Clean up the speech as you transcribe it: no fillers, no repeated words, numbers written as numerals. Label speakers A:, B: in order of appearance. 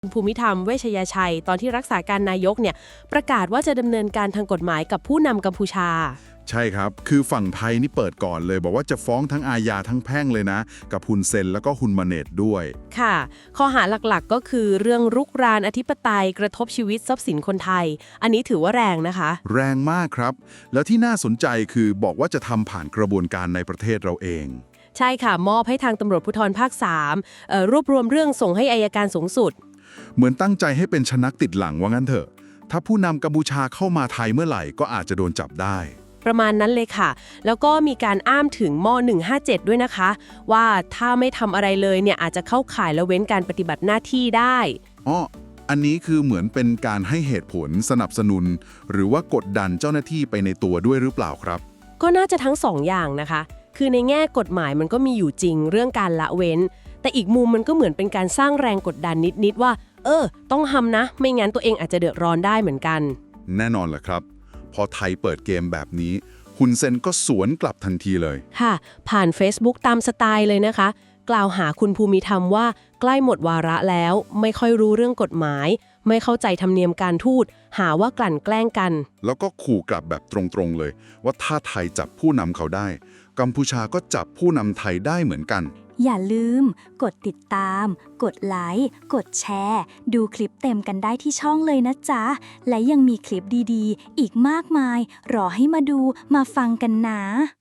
A: ภูมิธรรมเวชยชัยตอนที่รักษาการนายกเนี่ยประกาศว่าจะดำเนินการทางกฎหมายกับผู้นำกัมพูชา
B: ใช่ครับ คือฝั่งไทยนี่เปิดก่อนเลยบอกว่าจะฟ้องทั้งอาญาทั้งแพ่งเลยนะ กับฮุนเซนแล้วก็ฮุนมาเนตด้วย
A: ค่ะข้อหาหลักๆก็คือเรื่องรุกรานอธิปไตยกระทบชีวิตทรัพย์สินคนไทย อันนี้ถือว่าแรงนะคะ
B: แรงมากครับ แล้วที่น่าสนใจคือบอกว่าจะทำผ่านกระบวนการในประเทศเราเอง
A: ใช่ค่ะมอบให้ทางตำรวจภูธรภาค3รวบรวมเรื่องส่งให้อัยการสูงสุด
B: เหมือนตั้งใจให้เป็นชนักติดหลังว่างั้นเถอะ ถ้าผู้นำกัมพูชาเข้ามาไทยเมื่อไหร่ก็อาจจะโดนจับได้
A: ประมาณนั้นเลยค่ะ แล้วก็มีการอ้างถึงม.157 ด้วยนะคะ ว่าถ้าไม่ทำอะไรเลยเนี่ยอาจจะเข้าข่ายละเว้นการปฏิบัติหน้าที่ได้
B: อ๋ออันนี้คือเหมือนเป็นการให้เหตุผลสนับสนุน หรือว่ากดดันเจ้าหน้าที่ไปในตัวด้วยหรือเปล่าครับ
A: ก็น่าจะทั้งสองอย่างนะคะ คือในแง่กฎหมายมันก็มีอยู่จริงเรื่องการละเว้น แต่อีกมุมมันก็เหมือนเป็นการสร้างแรงกดดันนิดๆว่าต้องทำนะ ไม่งั้นตัวเองอาจจะเดือดร้อนได้เหมือนกัน
B: แน่นอนแหละครับ พอไทยเปิดเกมแบบนี้ฮุนเซนก็สวนกลับทันทีเลย
A: ค่ะผ่าน Facebook ตามสไตล์เลยนะคะ กล่าวหาคุณภูมิธรรมว่าใกล้หมดวาระแล้วไม่ค่อยรู้เรื่องกฎหมาย ไม่เข้าใจธรรมเนียมการทูตหาว่ากลั่นแกล้งกัน
B: แล้วก็ขู่กลับแบบตรงๆเลยว่าถ้าไทยจับผู้นำเขาได้กัมพูชาก็จับผู้นำไทยได้เหมือนกัน
C: อย่าลืมกดติดตามกดไลค์กดแชร์ดูคลิปเต็มกันได้ที่ช่องเลยนะจ๊ะและยังมีคลิปดีๆอีกมากมายรอให้มาดูมาฟังกันนะ